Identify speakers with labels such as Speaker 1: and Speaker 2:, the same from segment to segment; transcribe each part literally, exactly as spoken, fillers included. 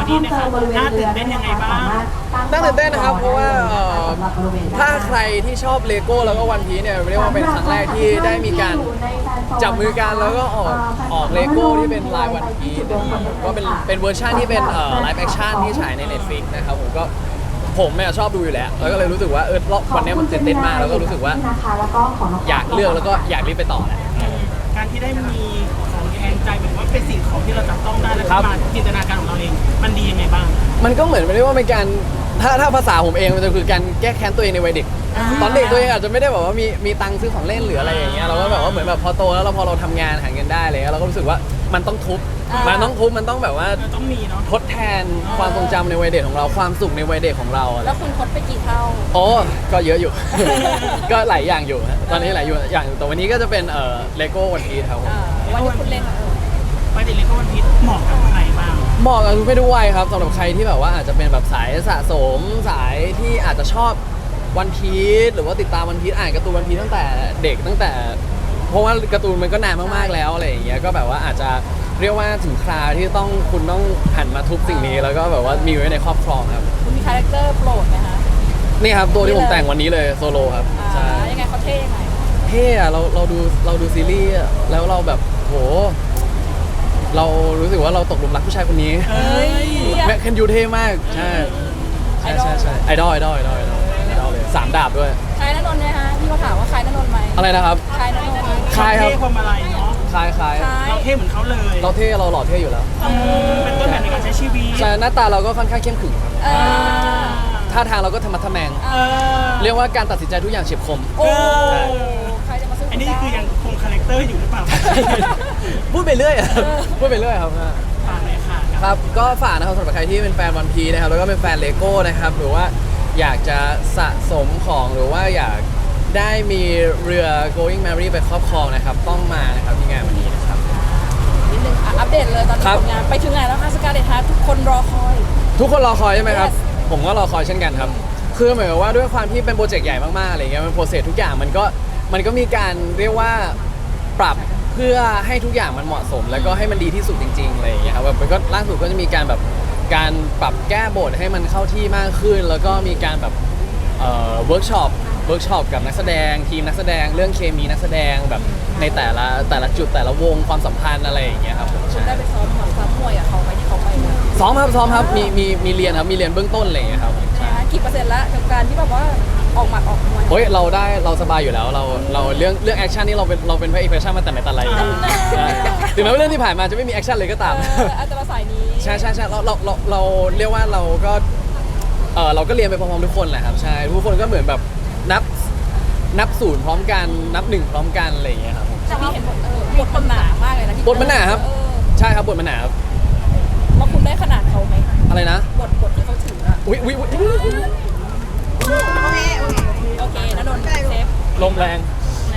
Speaker 1: นี้นะครับน่าตื่นเต้นยังไงบ้าง
Speaker 2: น่าตื่นเต้นนะครับเพราะว่าถ้าใครที่ชอบเลโก้แล้วก็วันพีเนี่ยเรียกว่าเป็นครั้งแรกที่ได้มีการจับมือกันแล้วก็ออกออกเลโก้ที่เป็นลายวันพีก็เป็นเป็นเวอร์ชันที่เป็นไลฟ์แอคชั่นที่ฉายใน Netflix นะครับผมก็ผมเนี่ยชอบดูอยู่แล้วแล้วก็เลยรู้สึกว่าเออวันนี้มันตื่นเต้นมากแล้วก็รู้สึกว่าอยากเลือกแล้วก็อยากรีบไปต่อแหละ
Speaker 1: การที่ได้มีของแทนใจเหมือนว่าเป็นสิ่งของที่เราจับต้องได้แล้วก็มาจินตนาการของเราเองมันดียังไงบ้าง
Speaker 2: มันก็เหมือนไม่ได้ว่าเป็นการถ้าถ้าภาษาผมเองมันจะคือการแก้แค้นตัวเองในวัยเด็กตอนเด็กตัวเองอาจจะไม่ได้แบบว่ามีมีตังค์ซื้อของเล่นหรืออะไรอย่างเงี้ยเราก็แบบว่าเหมือนแบบพอโตแล้วเราพอเราทำงานหาเงินได้เลยเราก็รู้สึกว่ามันต้องทุบมันต้องทุบมันต้องแบบว่า
Speaker 1: ต้องมีเนาะ
Speaker 2: ทดแทนความทรงจำในวัยเด็กของเราความสุขในวัยเด็กของเรา
Speaker 3: แล้วคุณทดไปกี่เท่า
Speaker 2: โอ้ก็เยอะอยู่ ก็หลายอย่างอยู่ตอนนี้หลายอย่างแต่วันนี้ก็จะเป็นเอ่อเลโก้วันพีชครับ
Speaker 3: วันที่คุณเล่น
Speaker 1: ไปเด็กเลโก้วันพีชเหมาะกับใครบ้าง
Speaker 2: เหมาะกับทุกเพศทุกวัยครับสำหรับใครที่แบบว่าอาจจะเป็นแบบสายสะสมสายที่อาจจะชอบวันพีชหรือว่าติดตามวันพีชอ่านการ์ตูนวันพีชตั้งแต่เด็กตั้งแต่เพราะว่าการ์ตูนมันก็นานมากๆแล้วอะไรอย่างเงี้ยก็แบบว่าอาจจะเรียกว่าถึงคราที่ต้องคุณต้องหันมาทุบสิ่งนี้แล้วก็แบบว่ามีไว้ในครอบครองครับ
Speaker 3: คุณมีคาแรคเตอร์โปรดไหมคะ
Speaker 2: นี่ครับตัวที่ผมแต่งวันนี้เลยโซโลครับ
Speaker 3: ใช่ยังไงเขาเท่ยังไง
Speaker 2: เท่อะเราเราดูเราดูซีรีส์แล้วเราแบบโหเรารู้สึกว่าเราตกหลุมรักผู้ชายคนนี้แม็กเคนยูเท่มากใช่ใช่ใช่ใช่ไอดอลไอดอลไอดอลไอดอลไอดอลเลยสามดาบด้วย
Speaker 3: คล้ายณนนท์ไหมคะพี่เขาถามว่าคล้ายณนนท์ไหม
Speaker 2: อะไรนะครับ
Speaker 3: คล้ายณนนท์
Speaker 2: คล้ายครับ
Speaker 1: ความอะไรเนาะ
Speaker 2: คล้ายคล้าย
Speaker 1: เราเท่เหมือนเขาเลย
Speaker 2: เราเท่เราหล่อเท่อยู่แล้ว
Speaker 1: เป็นต้นแบบในการใช้ชีวิต
Speaker 2: ใช่หน้าตาเราก็ค่อนข้างเข้มขึงท่าทางเราก็ธรรมะทะแมงเรียกว่าการตัดสินใจทุกอย่างเฉียบคม
Speaker 3: โอ้ใครจะมาซื้อ
Speaker 1: อันนี้คือยังคงคาแรคเตอร์อยู่หรือเปล่า
Speaker 2: พูดไปเรื่อยพูดไปเรื่อยครับ
Speaker 1: ฝากเลยค่ะ
Speaker 2: ครับก็ฝากนะครับสำหรับใครที่เป็นแฟนวันพีนะครับแล้วก็เป็นแฟนเลโก้นะครับหรือว่าอยากจะสะสมของหรือว่าอยากได้มีเรือ going merry ไปครอบครองนะครับต้องมานะครับที่งานวันนี้นะครับ
Speaker 3: นิดนึงอัปเดตเลยตอนนี้ผลงานไปถึงไหนแล้วคะสกาเลตฮาร์ททุกคนรอคอย
Speaker 2: ทุกคนรอคอยใช่ไหมครับผมก็รอคอยเช่นกันครับคือเหมือนกับว่าด้วยความที่เป็นโปรเจกต์ใหญ่มากๆอะไรเงี้ยมันโปรเซสทุกอย่างมันก็มันก็มีการเรียกว่าปรับเพื่อให้ทุกอย่างมันเหมาะสมแล้วก็ให้มันดีที่สุดจริงๆอะไรอย่างเงี้ยครับแบบมันก็ล่าสุดก็จะมีการแบบการปรับแก้บทให้มันเข้าที่มากขึ้นแล้วก็มีการแบบเอ่อเวิร์กช็อปเวิร์กช็อปกับนักแสดงทีมนักแสดงเรื่องเคมีนักแสดงแบบในแต่ละแต่ละจุดแต่ละวงความสัมพันธ์อะไรอย่างเงี้ยครับ
Speaker 3: คุณได้ไปซ้อมซ้อมมวยกับเขาไหมที่เขาไป
Speaker 2: ซ้อมครับซ้อมครับมีมีมีเรียนครับมีเรียนเบื้องต้นอะไรอย่างเงี้ยครับ
Speaker 3: กี่เปอร์เซ็นต์ละกับการที่แบบว่าออกหมัดออกมวย
Speaker 2: โอ้ยเราได้เราสบายอยู่แล้วเราเราเรื่องเรื่องแอคชั่นนี่เราเป็นเราเป็นพระเอกแฟชั่นมาแต่ไหนแต่ไรถึงแม้ว่าเรื่องที่ผ่านมาจะไม่มีแอคชั่นเลยก็ตาม
Speaker 3: อาจจะมาสายนี้
Speaker 2: ใช่ใช่ใช่เราเราเราเราเรียกว่าเราก็เออเราก็เรียนไปพร้อมๆทุกคนแหละครับใช่ทุกคนก็เหมือนแบบนับนับศูนย์พร้อมกันนับหนึ่งพร้อมกันอะไรอย่างเงี้ยครับ
Speaker 3: แต่พี่เห็นบทเออบทมันหนามากเลยนะ
Speaker 2: บทมันหนาครับใช่ครับบทมันหนาครับ
Speaker 3: ว่าคุณได้ขนาดเขาไหม
Speaker 2: อะไรนะ
Speaker 3: บทบทที่เขาถืออะ
Speaker 2: อุ้ยอุ้ยอุ้ย
Speaker 3: โอเคโอเคโอเคนะนนท์เซฟ
Speaker 2: ลมแรง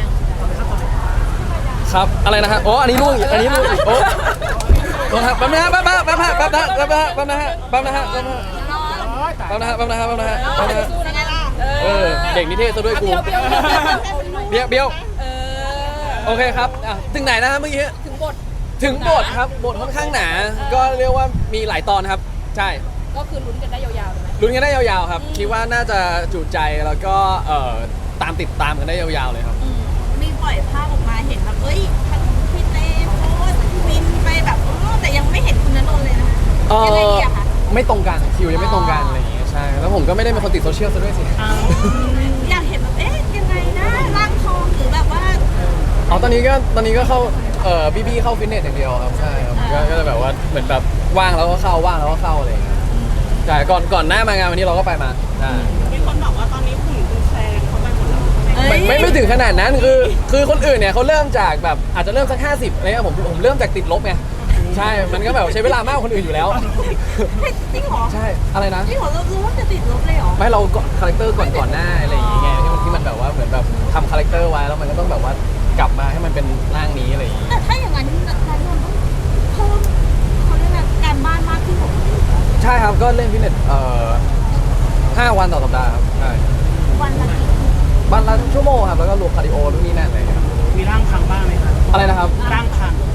Speaker 2: ครับอะไรนะฮะอ๋ออันนี้ลูกอันนี้ลูกโอ้โหครับแป๊บนะฮะแป๊บนะแป๊บนะแป๊บนะแป๊บนะแป๊บนะแป๊บนะแป๊บนะแป๊บนะแป๊บนะแป๊บนะแป๊บนะแป๊บนะแป๊บนะเออเด็กนิเทศซะด้วยกูเบี้ยวเบี้ยวโอเคครับถึงไหนนะฮะเมื่อกี้
Speaker 3: ถึงบท
Speaker 2: ถึงบทครับบทค่อนข้างหนาก็เรียกว่ามีหลายตอนครับใช่
Speaker 3: ก็คือลุ้นกันได้ยาวๆเลยไหม
Speaker 2: ลุ้นกันได้ยาวๆครับคิดว่าน่าจะจุใจแล้วก็เอ่อตามติดตามกันได้ยาวๆเลยครับ
Speaker 4: มีปล่อยภาพออกมาเห็นแบบเอ้ยพี่เต้โพสวินไปแบบแต่ยังไม่เห็นคุณณนนท์เลยนะยังไงดีอะคะ
Speaker 2: ไม่ตรงกันคิวยังไม่ตรงกันอะไรอย่างเงี้ยใช่แล้วผมก็ไม่ได้เป็นคนติดโซเชียลซะด้วยสิ
Speaker 4: อยากเห็นแบบเอ๊ะยังไงนะร่างทองหรือแบบว่า
Speaker 2: อ๋อตอนนี้ก็ตอนนี้ก็เข้าเอ่อบีบีเข้าฟิตเนสอย่างเดียวครับใช่ครับก็จะแบบว่าเหมือนแบบว่างแล้วก็เข้าว่างแล้วก็เข้าอะไรอย่างเงี้ยใช่ก่อนก่อนหน้ามางานวันนี้เราก็ไปมาใช่
Speaker 1: มีคนบอกว่าตอนนี้หุ่นคุณแซงเขาไปหมดแล้ว
Speaker 2: ไม่ไม่ถึงขนาดนั้นคือคือคนอื่นเนี่ยเขาเริ่มจากแบบอาจจะเริ่มสักห้าสิบอะไรเงี้ยผมผมเริ่มจากติดลบไงใช่มันก็แบบใช้เวลามากกว่าคนอื่นอยู่แล้ว
Speaker 4: จริงเหรอ
Speaker 2: ใช่อะไรนะ
Speaker 4: จริงเหรอเรารู้ว่าจะติดลบเลยเหรอ
Speaker 2: ไม่เราคาแรคเตอร์ก่อนก่อนหน้าอะไรอย่างเงี้ยที่มันที่มันแบบว่าเหมือนแบบทำคาแรคเตอร์ไว้แล้วมันก็ต้องแบบว่ากลับมาให้มันเป็นร่างนี้อะไรอย่างเงี้ย
Speaker 4: แต่ถ้าอย่างนั้นนันนนต้องเพิ่มเขาเรียกอะไรการบ้านมากขึ้นกว่า
Speaker 2: ใช่ครับก็เล่นฟิตเนสเอ่อห้าวันต่อสัปดาห์ครับใช่
Speaker 4: วันละกี่
Speaker 2: วันละชั่วโมงครับแล้วก็รวมคาร์ดิโอนู่นนี่นั่นอะไรครับ
Speaker 1: มีร่างพังบ้างไหมครับ
Speaker 2: อะไรนะครับ
Speaker 1: ร่างพัง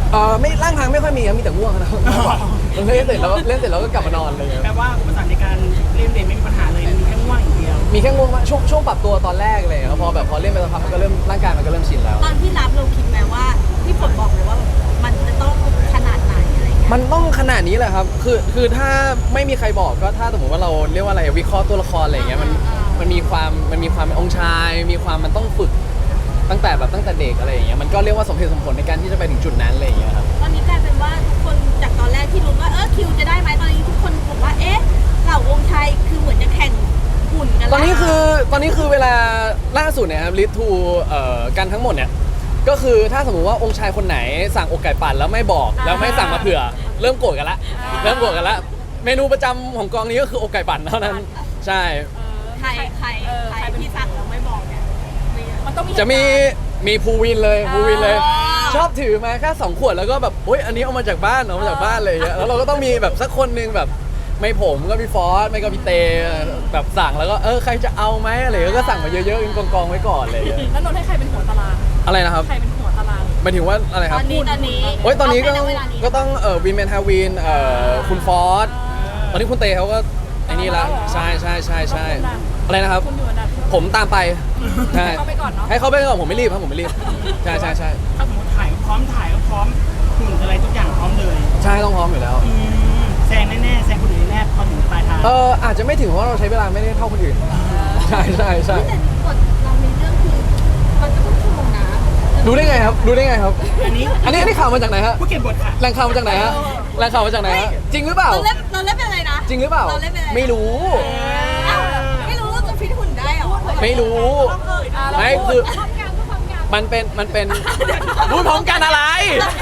Speaker 2: เออไม่ร่างทางไม่ค่อยมีครับมีแต่ง่วงนะ เล่นเสร็จแล้วเล่นเสร็จแล้วก็กลับมานอนอะไรอย่างเงี้ย
Speaker 1: แปลว่าอุปสรรคในการเล่นเดทไม่มีปัญหาเลยมีแค่ง่วงอย่างเดียว
Speaker 2: มีแค่ง่วงมากช่วงช่วงปรับตัวตอนแรกเลยครับพอแบบพอเล่นไปสักพักมันก็เริ่มร่างกายมันก็เริ่มชินแล้ว
Speaker 4: ตอนที่รับเราคิดไหมว่าที่ฝนบอกเลยว่ามันจะต้องขนาดไหนอะไรเงี้ย
Speaker 2: มันต้องขนาดนี้แหละครับ คือ คือถ้าไม่มีใครบอกก็ถ้าสมมติว่าเราเรียกว่าอะไรวิเคราะห์ตัวละครอะไรอย่างเงี้ย มัน มันมีความ มันมีความเป็นองค์ชาย มีความมันต้องฝึกตั้งแต่แบบตั้งแต่เด็กอะไรอย่างเงี้ย มันก็เรียกว่าสมเหตุสมผลในการที่จะไปถึงจุดนั้นอะไรอย่างเงี้ยครับ
Speaker 4: ตอนนี้กลายเป็นว่าทุกคนจากตอนแรกที่รู้ว่าเออคิวจะได้ไหมตอนนี้ทุกคนบอกว่าเอ๊ะเหล่าวงไทยคือเหมือนจะแข่งหุ่นกันแล้ว
Speaker 2: ตอนนี้คือ ตอนนี้คือเวลาล่าสุดเนี่ยครับลิททูเอ่อกันทั้งหมดเนี่ย ก็คือถ้าสมมุติว่าองค์ชายคนไหนสั่งอกไก่ปั่นแล้วไม่บอกแล้วไม่สั่งมาเผื่อ เริ่มโกรธกันละ เริ่มโกรธกันละ เมนูประจำของกองนี้ก็คืออกไก่ปั่นเท่านั้น ใช่
Speaker 4: ใครใครใครที่สั่งแล้วไม่บอกเนี่ยมี
Speaker 3: มันต้องมี
Speaker 2: จะมีมีภูวินเลยภูวินเลย
Speaker 4: อ๋อ
Speaker 2: ชอบถือมาแค่สองขวดแล้วก็แบบโอ๊ยอันนี้เอามาจากบ้านเอามาจากบ้านเลยางเงี้ยแล้วเราก็ต้องมีแบบสักคนหนึงแบบไม่ผมก็พี่ฟอสไม่ก็พี่เตแบบสั่งแล้วก็เออใครจะเอาไหมอะไรอย่างเงี้ยก็สั่งมาเยอะๆกองๆไว้ก่อนเลยางเงี้ย
Speaker 3: แล้วนนท์ให้ใครเป็นหัวตาราง
Speaker 2: อะไรนะครับ
Speaker 3: ใครเป็นหัวตาราง
Speaker 2: หมายถึงว่าอะไรค
Speaker 4: ต
Speaker 2: รั
Speaker 4: อบ นนี้ตอนนี้
Speaker 2: โอ๊ยตอนนี้ก็
Speaker 4: เาไปณเวลานี้
Speaker 2: ก็ต้องเออวินแมนฮาวินเอ่อคุณฟอสตอนนี้คุณเตเขาก็ไอ้นี่ละใช่ใช่ใช่ใช่อะไรนะครับ
Speaker 3: คุณอยู่อันดับที่
Speaker 2: ผมตามไปใช่
Speaker 3: ให้เขาไปก่อนเนาะ
Speaker 2: ให้เขาไปก่อนผมไม่รีบครับผมไม่รีบใช่ใช่ใช่
Speaker 1: ถ้าสมมติถ่ายก็พร้อมถ่ายก็พร้อมหุ่นอะไรทุกอย่างพร้อมเลย
Speaker 2: ใช่ต้องพร้อมอยู่แล้ว
Speaker 1: อืมแซงแน่ๆแซงคนอื่นแน่ๆพอถึงปลายทาง
Speaker 2: เอออาจจะไม่ถึงเพราะเราใช้เวลาไม่ได้เท่าคนอื่น ใช่ใช่ใช่
Speaker 4: แต่กฎเราในเรื่องคือมันจะต้องชั่วโมงนะ
Speaker 2: รู้ได้ไงครับรู้ได้ไงครับ
Speaker 1: อันนี้
Speaker 2: อันนี้อันนี้ข่าวมาจากไหนฮะ
Speaker 1: ผู้เขียนบทค่ะ
Speaker 2: แหล่งข่าวมาจากไหนฮะแหล่งข่าวมาจากไหนฮะจริงหรือเปล่า
Speaker 4: เราเล่นเราเล่นเป็นอะไรนะ
Speaker 2: จริงหรือเปล่า
Speaker 4: เราเล่นเป็นอะไรนะ
Speaker 2: ไม่รู้
Speaker 4: อ้าวไม่รู้ว่าจะฟิตหุ่นได้เหรอ
Speaker 2: ไม่รู้
Speaker 3: อ่ะเรา
Speaker 2: ไม่
Speaker 3: พูด
Speaker 2: คือมันเป็นมันเป็นพูดพร้อมกันอะไร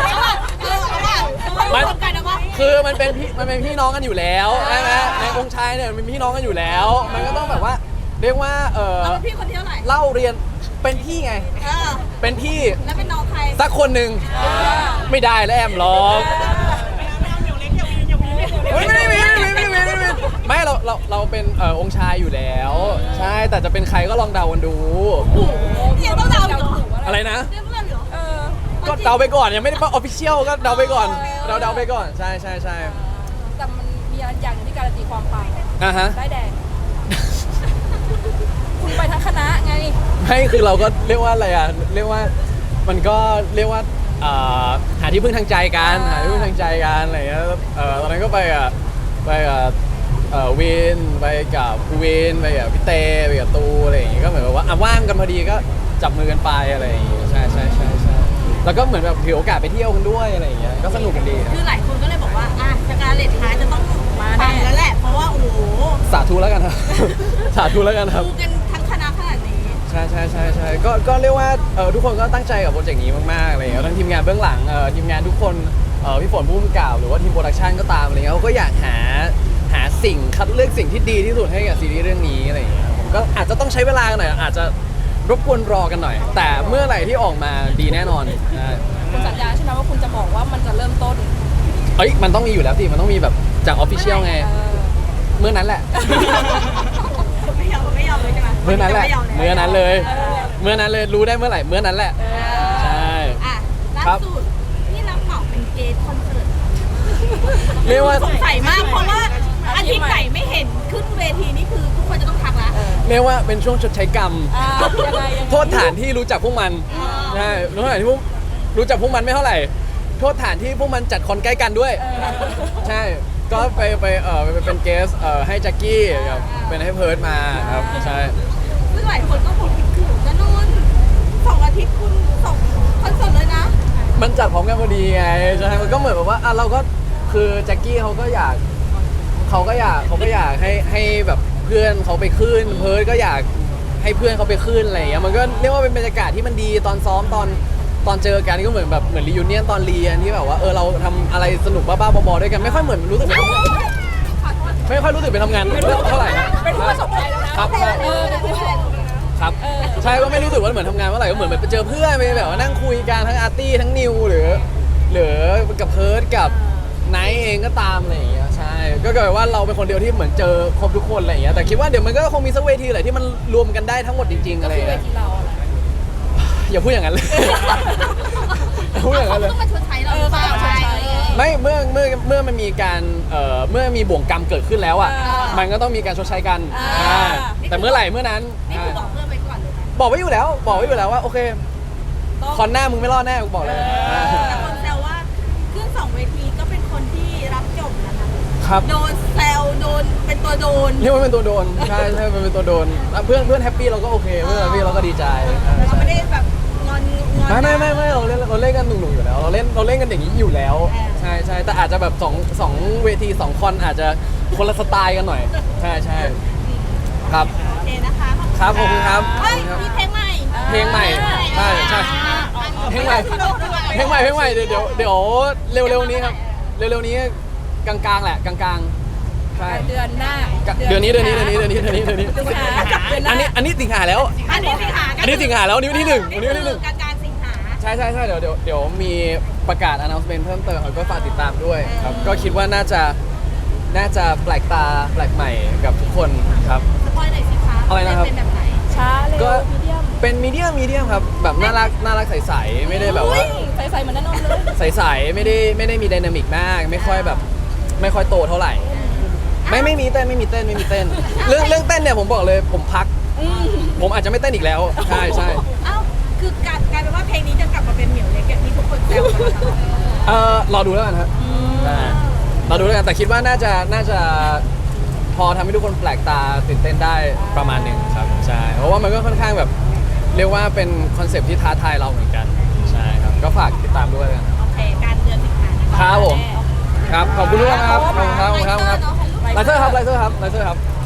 Speaker 4: มันกันนะว่า
Speaker 2: คือมันเป็นพี่มันเป็นพี่น้องกันอยู่แล้วใช่ไหมในองค์ชายเนี่ยมันเป็นพี่น้องกันอยู่แล้ว มันก็ต้องแบบว่าเรียกว่าเออ
Speaker 4: เราเป็นพี่คนที่เท่าไหร่
Speaker 2: เล่าเรียนเป็นพี่ไง
Speaker 4: เออ
Speaker 2: เป็นพี่
Speaker 4: แล้วเป็นน้องใคร
Speaker 2: สักคนหนึ่งไม่ได้แล้วแอมหรอกเฮ้ยไม่ได้มีไม่มีไม่มีไม่มีไม่เราเราเราเป็นเอ่อองค์ชายอยู่แล้ว ใช่แต่จะเป็นใครก็ลองเดากันดู
Speaker 4: เนี่ยต้องเดาเหรอ
Speaker 2: อะไรนะ
Speaker 4: เรื่องเพื่อนเหรอ
Speaker 3: เออ
Speaker 2: ก็เดาไปก่อนยังไม่ได้ว่าออฟฟิเชียลก็เดาไปก่อนเราเดาไปก่อนใช่ใช่ใช่
Speaker 3: แต่มันมีอย่างหนึงที่การันตีความปัง
Speaker 2: อ่ะฮะ
Speaker 3: ได้แดง คุณไปทั้งคณะไง
Speaker 2: ไม่คือเราก็เรียกว่าอะไรอ่ะเรียกว่ามันก็เรียกว่าอ่าหาที่พึ่งทางใจกัน
Speaker 3: อ่า
Speaker 2: หาที่พึ่งทางใจกันอะไรอย่างเงี้ยเออตอนนั้นก็ไปอ่ะไปกับเอ่อวินไปกับภูวินไปกับพี่เตไปกับตูอะไรอย่างเงี้ยก็เหมือนแบบว่าอ่ะว่างกันพอดีก็จับมือกันไปอะไรอย่างเงี้ยใช่ใช่ใช่ใช่แล้วก็เหมือนแบบถือโอกาสไปเที่ยวกันด้วยอะไรอย่างเงี้ยก็สนุกกันดีครับ
Speaker 4: คือหลายคนก็เลยบอกว่าอ่ะสการเลตฮาร์จะต้องมาแน่แล้วแหละ เพราะว่าโอ้โห
Speaker 2: สาธุแล้วกันครับ สาธุแล้วกันครับ
Speaker 4: ดูกันทั้งคณะขนาดนี้
Speaker 2: ใช่ใช่ใช่ใช่ก็ก็เรียกว่าเออทุกคนก็ตั้งใจกับโปรเจกต์นี้มากๆอะไรอย่างเงี้ยทั้งทีมงานเบื้องหลังเออทีมงานทุกคนเออพี่ฝนผู้กำกับหรือว่าทีมโปรดักชันก็ตามอะไรเงี้ยเขาก็อยากหาหาสิ่งคัดเลือกสิ่งที่ดีที่สุดให้กับซีรีส์เรื่องนี้อะไรอย่างเงี้ยผมก็อาจจะต้องใช้เวลากันหน่อยอาจจะรบกวนรอกันหน่อย แต่เมื่อไหร่ที่ออกมาดีแน่นอนใช่
Speaker 3: คุณสัญญาใช่ไหมว่าคุณจะบอกว่ามันจะเริ่มต้น
Speaker 2: เอ้ยมันต้องมีอยู่แล้วสิมันต้องมีแบบจากออฟฟิเชียลไง
Speaker 3: เออ
Speaker 2: เมื่อนั้นแหละ
Speaker 4: ไม่ยอมไม่ยอมเลยใช่ไหม
Speaker 2: เมื่อนั้นแหละ
Speaker 4: ไม่ยอม
Speaker 2: เมื่อนั้นเลย
Speaker 3: เออ
Speaker 2: เมื่อนั้นเลยรู้ได้เมื่อไหร่เมื่อนั้นแหละ ใช่
Speaker 4: อ่ะล่า
Speaker 2: ครับ
Speaker 4: สุดที่รับเหมาเป็นเกสคอนเสิร์ต
Speaker 2: เรียกว่า
Speaker 4: สงสัยมากเพราะว่าอาทิตย์ไหนไม่เห็นขึ้นเวทีนี่คือทุกคนจะต้องทักละ
Speaker 2: เรียกว่าเป็นช่วงชดใช้กรรม
Speaker 3: อ่ายังไงยังไง
Speaker 2: โทษฐานที่รู้จักพวกมันใช่โทษฐานที่พวกรู้จักพวกมันไม่เท่าไหร่ โทษฐานที่พวกมันจัดคอนใกล้กันด้วย
Speaker 3: เออ
Speaker 2: ใช่ ก็ไปไปเออไปเป็นเกสเออให้แจ็คกี้กับเป็นให้เพิร์ดมาครับใช่
Speaker 4: ซึ่งหลายคนก็บอกถึงกันนู่นสองอาทิตย์คุณสองคอนเสิร์ตเลยนะ
Speaker 2: มันจัดพร้อมกันพอดีไงใช่มันก็เหมือนแบบว่าอ่ะเราก็คือแจ็คกี้เขาก็อยากเขาก็อยากเขาก็อยากให้ให้แบบเพื่อนเขาไปขึ้นเพิร์ดก็อยากให้เพื่อนเขาไปขึ้นอะไรอย่างเงี้ยมันก็เรียกว่าเป็นบรรยากาศที่มันดีตอนซ้อมตอนตอนเจอกันก็เหมือนแบบเหมือนรียูเนียนตอนเรียนที่แบบว่าเออเราทำอะไรสนุกบ้าๆบอๆด้วยกันไม่ค่อยเหมือนรู้สึกเป็นไม่ค่อยรู้สึกเป็นทำงานเท่าไหร่นะ
Speaker 3: เป็นผู้ประสบภัยแล้วนะครับ เออเป็นผู้ประสบภัย
Speaker 2: ครับใช่ก็ไม่รู้สึกว่าเหมือนทำงานเมื่อไหร่ก็เหมือนแบบไปเจอเพื่อนไปแบบว่านั่งคุยกันทั้งอาร์ตี้ทั้งนิวหรือหรือกับเพิร์ดกับไนท์เองก็ตามอะไรอย่างเงี้ยใช่ก็กลายเป็นว่าเราเป็นคนเดียวที่เหมือนเจอครบทุกคนอะไรอย่างเงี้ยแต่คิดว่าเดี๋ยวมันก็คงมีสักเวทีแหละที่มันรวมกันได้ทั้งหมดจริงๆอะไรอ
Speaker 3: คือย่าง เว
Speaker 2: เงี้ย
Speaker 3: ทีเราอะ
Speaker 2: อย่าพูดอย่างนั้นเลย อย่าพูดอย่างนั้นเลย
Speaker 4: เขาต้องมาชดใช้เราหรือเปล่า
Speaker 3: เออเขาต้องมาชดใช้
Speaker 2: ไม่เมื่อเมื่อเมื่อมันมีการเอ่อเมื่อมีบ่วงกรรมเกิดขึ้นแล้วอ่ะ
Speaker 3: อ่ามั
Speaker 2: มันก็ต้องมีการชดใช้กัน
Speaker 3: อ่า
Speaker 2: อ่าแต่เมื่อไหร่เมื่อนั้น
Speaker 4: นี่คือบอกเพื่อนไปก่อนเลยนะ
Speaker 2: บอกไว้อยู่แล้ว บอกไว้อยู่แล้วว่าโอเค
Speaker 3: ต้อง
Speaker 2: คอนหน้ามึงไม่รอดแน่กูบอกเลย
Speaker 3: เออ
Speaker 4: แต่คนแซวว่าขึ้นสองเวทีก็เป็นคนที่รับจบนะคะ
Speaker 2: ครับ
Speaker 4: โดนแซวโดนเป็นตัวโดน
Speaker 2: เรียกว่าเป็นตัวโดนใช่ใช่เป็นตัวโดนอ่ะเพื่อนเพื่อนแฮปปี้เราก็โอเคเพื่อนแฮปปี้เราก็ดีใจใช่
Speaker 4: เรา
Speaker 2: ใช่
Speaker 4: ไม่ได้แบบงอนงอน
Speaker 2: ไม่ไม่ไม่ไม่เราเล่นเราเล่นกันหนุ่มๆอยู่แล้ว เราเล่นเราเล่นกันอย่างนี้อยู่แล้ว
Speaker 4: เออ
Speaker 2: ใช่ใช่แต่อาจจะแบบสองสองเวทีสองคอนอาจจะคนละสไตล์กันหน่อย ใช่ใช่ครับ
Speaker 4: โอเคนะคะ
Speaker 2: ครับขอบคุณครับ
Speaker 4: เฮ้ยมีเพลงใหม่
Speaker 2: เพลงใหม่ใช่ใช่ เพลงใหม่ เพลงใหม่เพลงใหม่เดี๋ยวเดี๋ยวเดี๋ยวเร็วๆนี้ครับเร็วๆนี้กลางๆแหละกลางๆใช่
Speaker 3: เดือนหน้า
Speaker 2: เดือนนี้เดือนนี้เดือนนี้เดือนนี้เดือนนี้เดือนนี้
Speaker 3: สิงหาเดือนห
Speaker 2: อั
Speaker 3: น้าน
Speaker 2: นี้อันนี้สิงหาแล้ว
Speaker 4: อันนี้สิงหา
Speaker 2: อันนี้สิงหาแล้วนิ้วที่หนึ่งนิ้วที่หนึ่ง
Speaker 4: กลางกลางๆสิงหา
Speaker 2: ใช่ใช่ใช่เดี๋ยวเดี๋ยวเดี๋ยวมีประกาศ announcement เพิ่มเติมครับก็ฝากติดตามด้วยครับก็คิดว่าน่าจะน่าจะแปลกตาแปลกใหม่กับทุกคนครับ
Speaker 4: สปอยหน่อยสิคะ
Speaker 2: อะไรนะครับ
Speaker 4: เป็นแบบไหน
Speaker 3: ช้าเร็ว
Speaker 2: ก็
Speaker 3: มีเดียม
Speaker 2: เป็นมีเดียมมีเดียมครับแบบน่ารักน่ารักใสๆไม่ได้แบบว่า
Speaker 3: ใส่ใส่ๆเหมือนนั่นนนเลย
Speaker 2: ใสๆไม่ได้ไม่ได้มีไดนามิกมาก ไม่ค่อยแบบไม่ค่อยโตเท่าไหร่ ไม่ไม่มีเต้นไม่มีเต้นไม่มีเต้น เรื่องเรื่องเต้นเนี่ยผมบอกเลยผมพัก ผมอาจจะไม่เต้นอีกแล้วใช่ใช่
Speaker 4: เอ้าคือกลายกลายเป็นว่าเพลงนี้จะกลับมาเป็นเหมียวเล็กอย่างที่ทุกคนแซวกันตลอด
Speaker 2: เออรอดูแล้วกันครับใช่รอดูแล้วกันแต่คิดว่าน่าจะน่าจะพอทำให้ทุกคนแปลกตาตื่นเต้นได้ประมาณหนึ่งครับใช่เพราะว่ามันก็ค่อนข้างแบบเรียกว่าเป็นคอนเซปต์ที่ท้าทายเราเหมือนกันใช่ครับก็ฝากติดตามด้วยกัน
Speaker 4: โอเคการเดือนสิงหาคม
Speaker 2: ครับผมครับขอบคุณทุกคนครับขอบคุณครับขอบคุณครับไลเซอร์ครับไลเซอร์ครับไลเซอร์ครับ